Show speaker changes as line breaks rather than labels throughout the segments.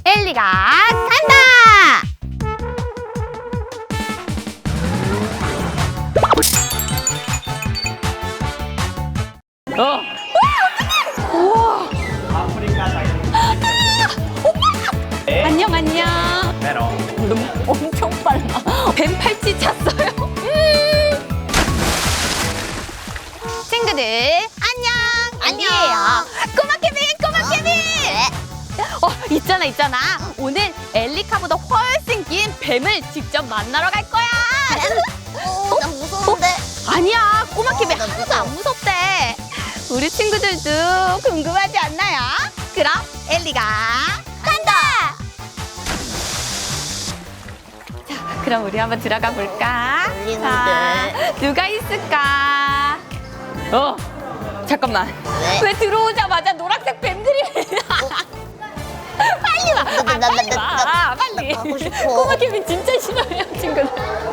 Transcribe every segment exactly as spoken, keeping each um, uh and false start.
엘리가 간다!
어.
우와!
아프리카 자이언트.
네. 안녕 안녕.
메롱.
너무 엄청 빨라. 뱀 팔찌 찼어요. 음. 친구들 안녕. 안녕. 꼬마 케빈, 꼬마 케빈. 어 있잖아 있잖아. 오늘 엘리카보다 훨씬 긴 뱀을 직접 만나러 갈 거야.
어, 나 무서운데.
아니야 꼬마
어,
케빈
나
하나도
무서워.
안 무섭대. 우리 친구들도 궁금하지 않나요? 그럼 엘리가 간다. 자, 그럼 우리 한번 들어가 볼까?
엘리는
자, 누가 있을까? 어, 잠깐만.
왜?
왜 들어오자마자 노란색 뱀들이? 빨리 와. 아,
나, 나,
빨리
나, 나,
와.
나,
빨리.
나 가고 싶어.
꼬마 케빈 진짜 싫어요, 친구들.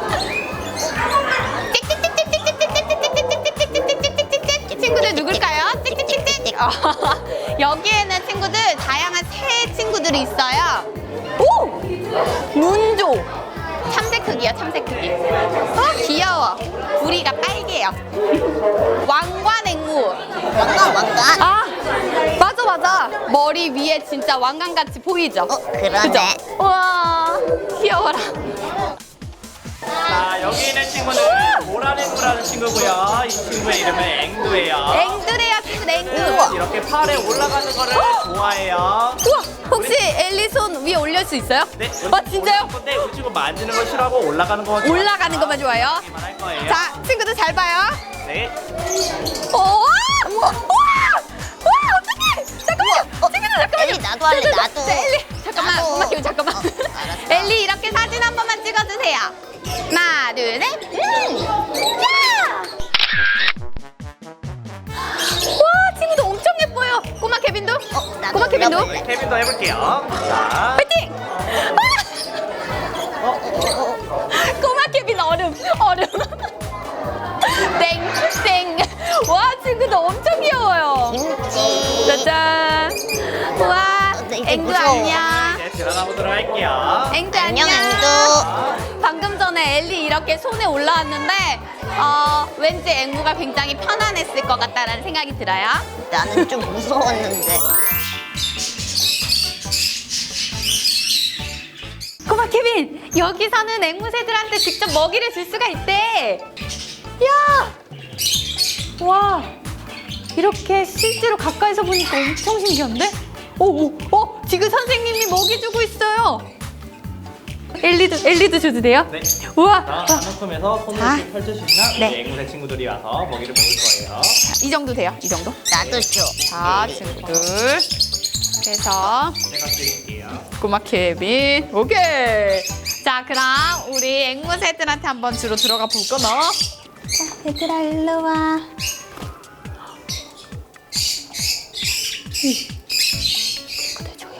친구들 누굴까요? 찍찍찍찍. 어, 여기에는 친구들 다양한 새 친구들이 있어요. 오! 문조. 참새 크기요, 참새 크기. 어, 귀여워. 부리가 빨개요. 왕관앵무.
왕관, 왕관.
아, 맞아, 맞아. 머리 위에 진짜 왕관같이 보이죠?
어, 그러네.
그죠? 우와, 귀여워라.
자, 여기 있는 친구는 모라랭구라는 친구고요. 이 친구의 이름은 앵두예요.
앵두래요, 친구 앵두.
우와.
이렇게 팔에 올라가는 거를 좋아해요.
우와, 혹시 엘리 손 위에 올릴 수 있어요?
네,
아, 진짜요?
근데 이 친구 만지는 걸 싫어하고 올라가는 거
올라가는 것만 좋아해요?
할 거예요.
자, 친구들 잘 봐요.
네.
오, 우와, 우와, 우와, 어떡해. 잠깐만요.
어,
친구들 잠깐만요.
엘리, 나도 할래,
자, 자, 자,
나도.
자, 엘리, 잠깐만,
나도.
엄마 기분 잠깐만.
어, 알았어.
엘리 이렇게 사진 한 번만 찍어주세요. 하나, 둘, 셋. 음. 야! 와, 친구들 엄청 예뻐요. 꼬마 케빈도?
어, 나도
꼬마 케빈도?
올려볼래.
네, 케빈도 해볼게요. 자.
파이팅! 아! 꼬마 케빈 얼음, 얼음. 땡, 땡. 와, 친구들 엄청 귀여워요.
김치.
짜잔. 우와,
어, 이제
앵두
무서워.
안녕.
이제 들어가 보도록 할게요.
앵두
안녕,
안녕.
앵두.
방금 전에 엘리 이렇게 손에 올라왔는데 어, 왠지 앵무가 굉장히 편안했을 것 같다라는 생각이 들어요.
나는 좀 무서웠는데.
꼬마 케빈, 여기서는 앵무새들한테 직접 먹이를 줄 수가 있대. 야! 와, 이렇게 실제로 가까이서 보니까 엄청 신기한데? 오, 오, 어, 지금 선생님이 먹이 주고 있어요. 엘리도, 엘리도 줘도 돼요?
네.
우와,
자,
와,
한움큼에서 손을
자.
이렇게 펼쳐주시면
네.
우리 앵무새 친구들이 와서 먹이를 먹을 거예요.
이 정도 돼요, 이 정도?
나도 줘.
자, 친구들. 그래서
제가 드릴게요.
꼬마 케빈, 오케이. 자, 그럼 우리 앵무새들한테 한번 주로 들어가 볼거나. 자, 얘들아 일로 와. 친구들 조용,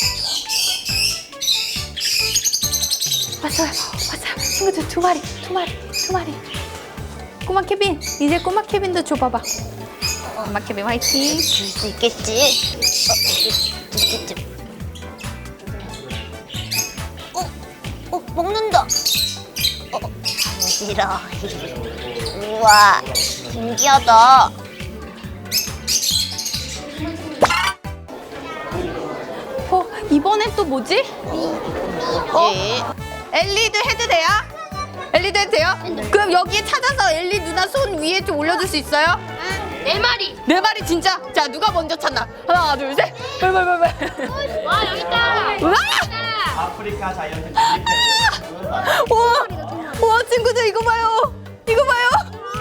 조용. 왔어요, 왔어요. 친구들 두 마리, 두 마리, 두 마리. 꼬마 케빈, 이제 꼬마 케빈도 줘봐봐. 꼬마 케빈 화이팅.
줄 수 있겠지? 어, 있겠지. 어, 어, 먹는다. 어, 싫어. 우와, 신기하다.
어, 이번엔 또 뭐지?
뭐지?
엘리도 해도 돼요? 엘리도 해도 돼요? 그럼 여기에 찾아서 엘리 누나 손 위에 좀 올려줄 수 있어요?
네 마리.
네 마리 진짜? 자, 누가 먼저 찾나? 하나, 둘, 셋. 빨빨빨빨.
와 여기 있다.
우와!
아프리카 자이언트 칠리팬.
우와! 우와, 친구들 이거 봐요. 이거 봐요.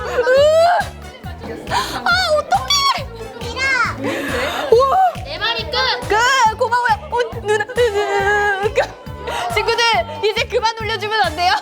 으아! 아, 어떡해! 우와!
네 마리 끝.
그 고마워요. 어, 누나. 그, 친구들 이제 그만 올려주면 안 돼요?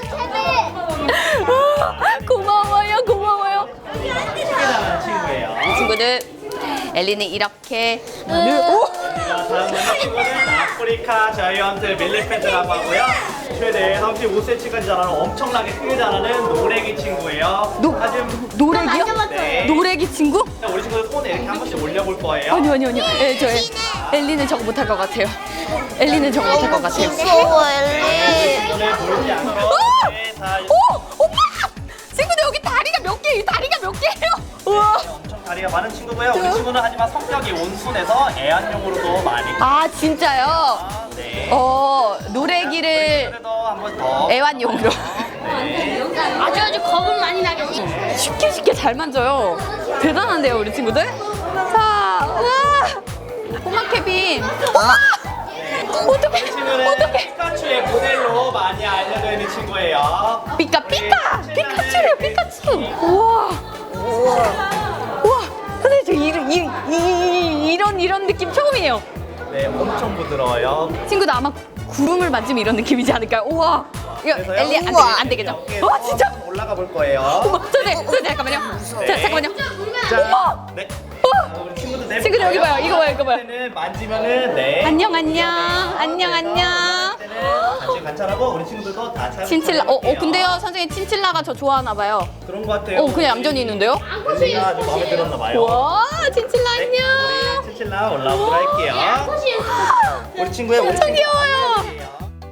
아, 고마워요, 고마워요.
잘하는 친구예요.
친구들, 엘리는 이렇게 오!
자, 다음은 친구는 아프리카 자이언트 밀리펜트라고 하고요. 최대 삼십오 센티미터까지 자라는 엄청나게 크게 자라는 노래기 친구예요.
노-
하지만
노래기요?
네.
노래기 친구?
우리 친구들 손에 이렇게 한 번씩 올려볼 거예요.
아니요 아니요 아니요. 예, 저 엘리는 저거 못할 것 같아요. 엘리는 저거 못할 것 같아요.
무서워 엘리.
손을 보이지 않고 네, 다
오! 오빠! 친구들 여기 다리가 몇 개예요? 다리가 몇 개예요? 우와!
엄청 다리가 많은 친구고요. 우리 친구는 하지만 성격이 온순해서 애완용으로도 많이.
아 진짜요?
아, 네.
어 노래기를
그래도 한 번 더.
애완용으로
네.
아주 아주 겁을 많이 나겠지.
쉽게 쉽게 잘 만져요. 대단한데요 우리 친구들? 자, 우와! 꼬마 케빈. 어떡해?
친구는
어떡해?
피카츄의 모델로 많이 알려져 있는 친구예요.
피카 피카! 피카츄래요 피카츄. 우와. 우와. 선생님 저 이런 이, 이, 이런 이런 느낌 처음이에요.
네, 엄청 부드러워요.
친구도 아마 구름을 만지면 이런 느낌이지 않을까요? 우와. 이거
그래서요?
엘리 안, 되겠, 안 되겠죠?
어깨에서
와 진짜.
올라가 볼 거예요.
어머 선생님 선생님 잠깐만요.
네.
자 잠깐만요.
자, 네.
어.
우리 친구들 내
친구들 여기 봐요. 이거 봐요. 이거 봐요.
때는 만지면은 네.
안녕 안녕 안녕 안녕.
때는 같이 관찰하고 우리 친구들도 다 잘.
친칠라. 어, 어
관찰해볼게요.
근데요 선생님 친칠라가 저 좋아하나 봐요.
그런 것 같아요.
어 그냥 얌전히 있는데요?
엘리가 아주 마음에 들었나 봐요.
와 친칠라
네,
안녕.
우리 친칠라 올라오도록 할게요. 우리 친구의 우리
엄청
친구.
귀여워요.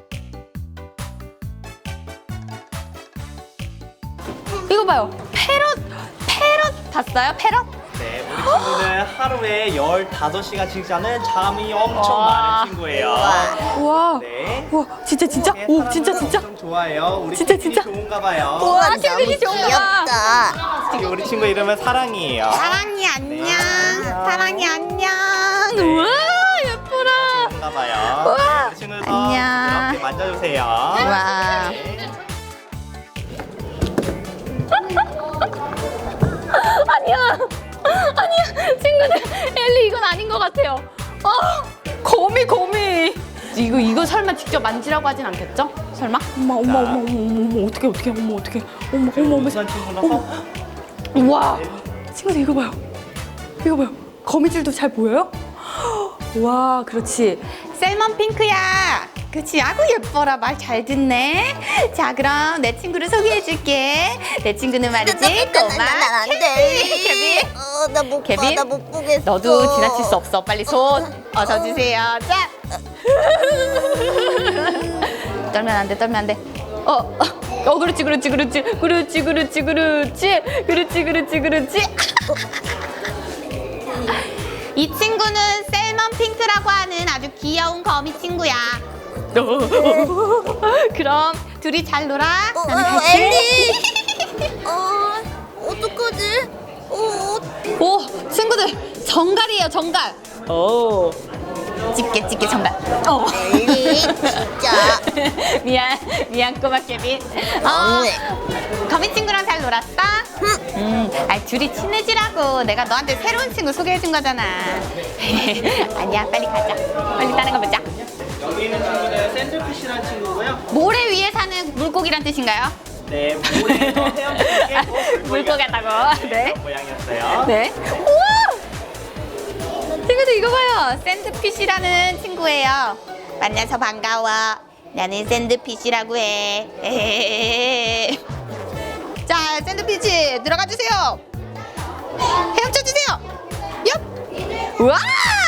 이거 봐요. 패럿 패럿 봤어요? 패럿?
네, 우리 친구는 하루에 열다섯 시간씩 자는 잠이 엄청
와.
많은 친구예요.
우와.
네.
우와 진짜 진짜. 오 진짜 진짜.
엄청 좋아해요. 우리
진짜,
친구들이
진짜.
좋은가 봐요.
우와
너무
친구들이 좋은가 봐.
귀엽다.
우리 친구 이름은 사랑이에요.
사랑이 안녕.
네, 안녕.
사랑이 안녕.
네.
우와 예뻐라.
좋은가 봐요.
우와.
우리 친구도
안녕.
이렇게 만져주세요.
와.
네.
아니야. 아니야. 친구들 엘리 이건 아닌 것 같아요. 아 거미 거미. 이거 이거 설마 직접 만지라고 하진 않겠죠? 설마? 어머 어머 어머 어머 어머 어떻게 어떻게 어머 어떻게 어머 어머 어머.
우선 친구라서
우와. 친구들 이거 봐요. 이거 봐요. 거미줄도 잘 보여요? 와 그렇지. 셀먼 핑크야. 그치 아구 예뻐라. 말 잘 듣네. 자 그럼 내 친구를 소개해줄게. 내 친구는 말이지 꼬마
난안
케빈.
돼.
케빈.
어, 나못 봐.
케빈?
나못 보겠어.
너도 지나칠 수 없어. 빨리 손 어서 주세요. 자. 떨면 안 돼. 떨면 안 돼. 어, 어, 어, 그렇지, 그렇지, 그렇지, 그렇지, 그렇지, 그렇지, 그렇지, 그렇지, 그렇지. 이 친구는 셀먼 핑크라고 하는 아주 귀여운 거미 친구야. 그럼 둘이 잘 놀아.
어,
나는
어,
갈게.
엘리. 어, 어떡하지? 어,
오, 친구들 정갈이에요, 정갈. 오, 집게, 집게 정갈. 어.
엘리, 진짜.
미안, 미안 꼬마 케빈. 어, 거미 친구랑 잘 놀았어? 음, 아 둘이 친해지라고 내가 너한테 새로운 친구 소개해준 거잖아. 아니야, 빨리 가자. 빨리 다른 거 보자.
여기 있는 친구는 샌드피쉬라는 친구고요.
모래 위에 사는 물고기란 뜻인가요?
네, 모래에서 헤엄치는 게
물고기 같다고. 네.
모양이었어요.
네. 우와! 친구들 이거 봐요. 샌드피쉬라는 친구예요. 만나서 반가워. 나는 샌드피쉬라고 해. 에헤헤헤. 자, 샌드피쉬 들어가 주세요. 헤엄쳐 주세요. 얍. 우와!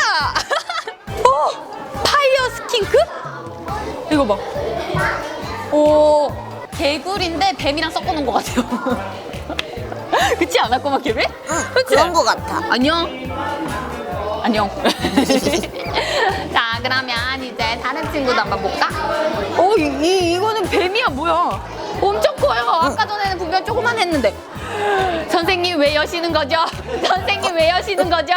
오! 파이어 스킨크? 이거 봐. 오, 개구리인데 뱀이랑 섞어놓은 것 같아요. 그렇지 않아, 꼬마 케빈?
응,
그치?
그런 거 같아.
안녕. 안녕. 자, 그러면 이제 다른 친구도 한번 볼까? 오, 이, 이, 이거는 뱀이야, 뭐야? 엄청 커요. 아까 전에는 분명 조그만 했는데. 선생님 왜 여시는 거죠? 선생님 왜 여시는 거죠?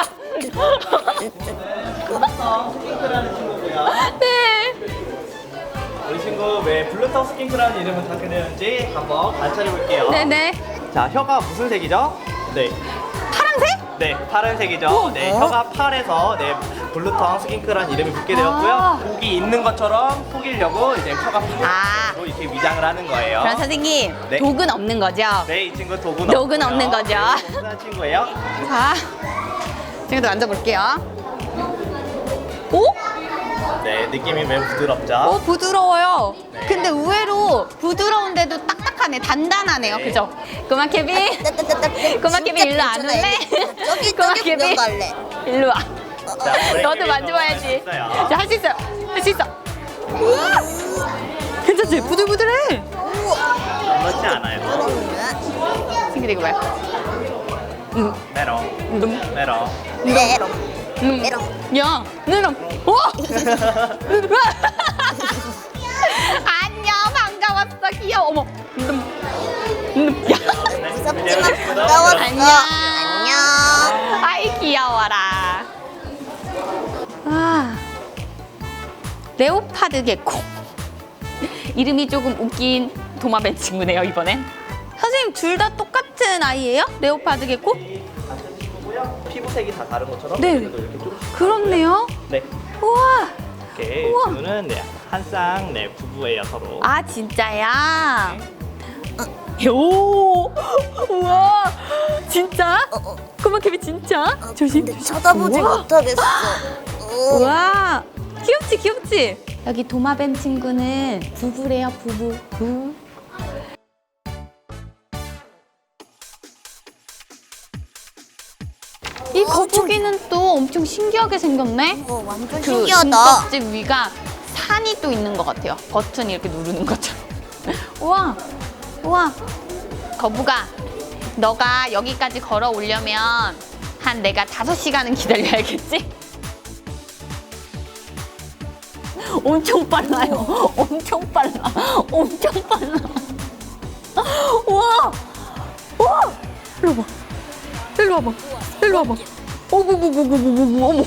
스킨크라는 친구고요.
네.
우리 친구 왜 블루턱 스킨크라는 이름을 갖게 되는지 한번 관찰해 볼게요.
네네.
자, 혀가 무슨 색이죠? 네.
파란색?
네, 파란색이죠. 네, 혀가 파래서 네, 블루텅 스킨크라는 이름이 붙게 되었고요.
아.
독이 있는 것처럼 속이려고 이제 혀가
아.
파래로 이렇게 위장을 하는 거예요.
그럼 선생님,
네.
독은 없는 거죠?
네, 이 친구 독은
독은
없고요.
없는 거죠.
네, 온순한 친구예요.
자, 친구들 앉아볼게요. 오?
네, 느낌이 매우 부드럽죠?
어, 부드러워요.
네.
근데 의외로 부드러운데도 딱딱하네. 단단하네요.
네.
그죠? 꼬마 케빈. 꼬마 케빈 일로 안 올래?
저기
꼬마
저기
케빈.
구경 갈래.
일로 와.
자, 우리
너도
케빈도
만져봐야지.
할수 있어요.
자, 할 수 있어요. 할 수 있어. 우와. 괜찮지? 부들부들해.
그렇지 않아요.
친구들 이거 봐요. 음,
메롱,
음,
메롱.
메롱.
음.
메롱.
야, 내놈. 오! 안녕, 반가웠어. 귀여워. 어머. 음, 음. 야.
네,
무섭지만
친구들.
반가웠어.
안녕.
안녕.
아이 귀여워라. 아, 레오파드 개코. 이름이 조금 웃긴 도마뱀 친구네요 이번엔. 선생님 둘 다 똑같은 아이예요? 레오파드 개코?
같은 친구고요. 피부색이 다 다른 것처럼
네.
그래도 이렇게 조금씩.
그렇네요.
네.
우와.
이렇게
우와.
친구는 네, 한 쌍 네, 부부예요 서로.
아 진짜야? 오, 우와, 진짜?
어, 어.
꼬마 케빈 진짜? 조심.
근데 쳐다보지
우와.
못하겠어. 어.
우와, 귀엽지 귀엽지? 여기 도마뱀 친구는 부부래요 부부. 부부. 이 거북이는 또 엄청 신기하게 생겼네.
어, 완전
그
신기하다.
등껍질 위가 산이 또 있는 것 같아요. 버튼 이렇게 누르는 것처럼. 우와, 우와. 거북아, 너가 여기까지 걸어 오려면 한 내가 다섯 시간은 기다려야겠지? 엄청 빨라요. 엄청 빨라. 엄청 빨라. 우와, 우와. 일로 와봐. 일로 와봐. 일로 와봐. 어머머머머머머 어머.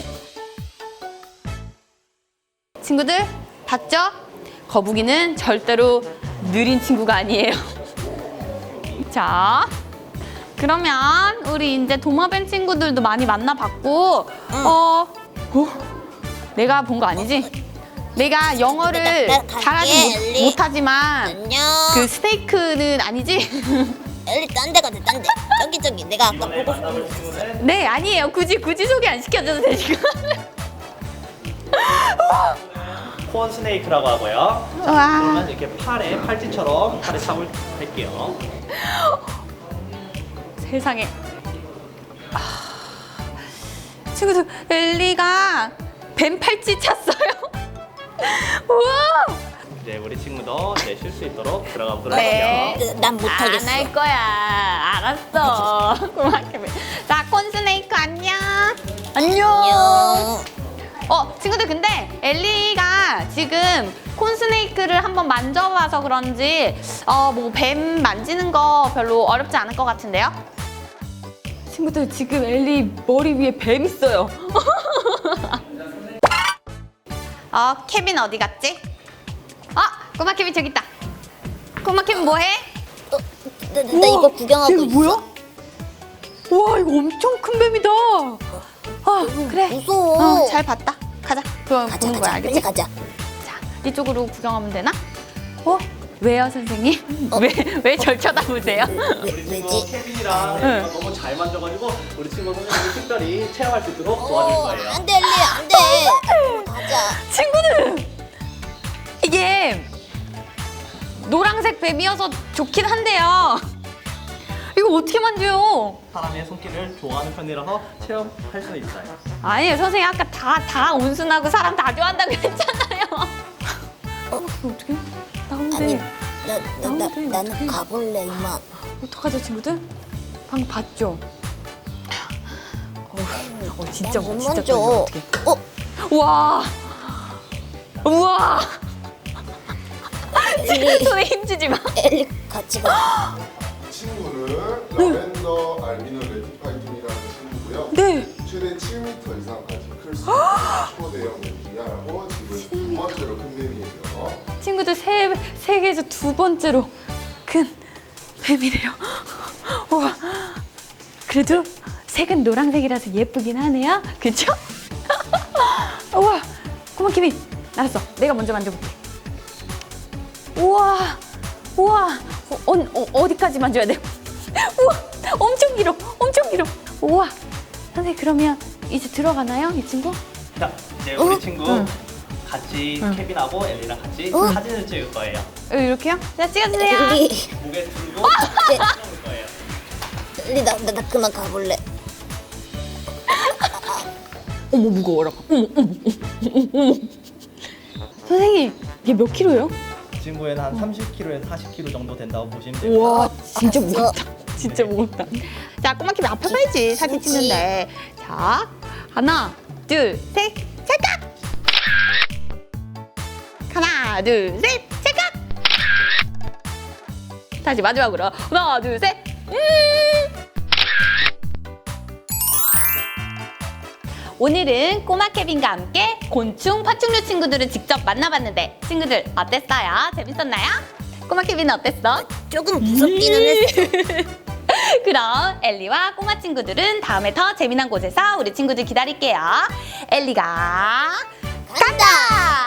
친구들 봤죠? 거북이는 절대로 느린 친구가 아니에요. 자, 그러면 우리 이제 도마뱀 친구들도 많이 만나봤고, 어, 어, 내가 본 거 아니지? 내가 영어를
나- 나 갈게,
잘하지 못-
엘리.
못하지만
안녕.
그 스테이크는 아니지?
엘리 딴 데 가자, 딴 데. 저기 저기 내가 아까
이번에
보고 싶은
만나볼 친구는
네, 아니에요. 굳이 굳이 소개 안 시켜줘도 되니까.
코언 스네이크라고 하고요.
와,
그러면 이렇게 팔에 팔찌처럼 팔에 잡을 할게요.
세상에. 아, 친구들, 엘리가 뱀 팔찌 찼어요. 우와.
이제 우리 친구도 이제 쉴 수 있도록 들어가 보도록
네.
할게요.
그, 난 못하겠어.
안 할 거야. 알았어. 고맙게. 자, 콘스네이크 안녕. 안녕.
안녕.
어, 친구들 근데 엘리가 지금 콘스네이크를 한번 만져봐서 그런지 어, 뭐 뱀 만지는 거 별로 어렵지 않을 것 같은데요? 친구들 지금 엘리 머리 위에 뱀 있어요. 어, 케빈 어디 갔지? 아, 꼬마 케빈 저기 있다. 꼬마 케빈 뭐해?
어, 나, 나, 나 이거 구경하고
이거
있어.
뭐야? 와, 이거 엄청 큰 뱀이다. 아, 그래.
무서워.
어, 잘 봤다. 가자. 그럼
가자,
보는 거야,
가자.
알겠지?
빨리 가자.
자, 이쪽으로 구경하면 되나? 어? 왜요, 선생님?
어.
왜, 왜 절 쳐다보세요?
왜,
우리 친구
왜지?
케빈이랑
응.
얘가 너무 잘 만져가지고 우리 친구 선생님이 특별히 체험할 수 있도록 도와줄
어,
거예요.
안 돼, 엘리, 안 돼. 가자.
친구들! 이게 노란색 뱀이어서 좋긴 한데요. 이거 어떻게 만져요?
사람의 손길을 좋아하는 편이라서 체험할 수 있어요.
아니에요, 선생님 아까 다, 다 온순하고 사람 다 좋아한다고 했잖아요. 어, 이거 어떻게? 나온대.
아니, 나, 나, 나,
나오는데,
나는
어떡해.
가볼래, 이만.
어떡하죠, 친구들? 방금 봤죠? 어, 어 진짜
못
진짜
만져.
떨려, 어떡해.
어,
우와! 우와!
엘리,
손에 힘주지 마.
엘리 같이 가.
친구는 라벤더 알비노 레티파이톤이라는 친구고요.
네.
최대 칠 미터 이상까지 클 수 있는 초대형 뱀이라고 지금 두 번째로 큰 뱀이에요.
친구들 세, 세계에서 두 번째로 큰 뱀이래요. 우와. 그래도 색은 노란색이라서 예쁘긴 하네요. 그쵸? 우와. 고마 케빈. 알았어. 내가 먼저 만져볼게. 우와. 우와. 어, 어, 어, 어디까지 만져야 돼? 우와. 엄청 길어. 엄청 길어. 우와. 선생님 그러면 이제 들어가나요? 이 친구?
자, 이제 우리 친구
응.
같이 케빈하고 엘리랑 같이
어?
사진을 찍을 거예요.
어, 이렇게요? 자, 찍어주세요.
엘리,
고개 들고 찍을 거예요.
엘리 나, 나, 나 그만 가볼래.
어머, 무거워라. 어머, 어머, 어머, 어머. 선생님, 이게 몇 킬로예요?
이 친구에는 한 삼십 킬로에서 사십 킬로 정도 된다고 보시면 돼요.
우와, 진짜
알았어.
무겁다. 진짜 무겁다. 자, 꼬마 케빈 앞에 서야지, 사진
그렇지.
찍는데. 자, 하나, 둘, 셋, 찰칵! 하나, 둘, 셋, 찰칵! 다시 마지막으로. 하나, 둘, 셋, 음! 오늘은 꼬마 케빈과 함께 곤충, 파충류 친구들을 직접 만나봤는데 친구들 어땠어요? 재밌었나요? 꼬마 케빈은 어땠어?
조금 무섭기는 했어.
그럼 엘리와 꼬마 친구들은 다음에 더 재미난 곳에서 우리 친구들 기다릴게요. 엘리가 간다!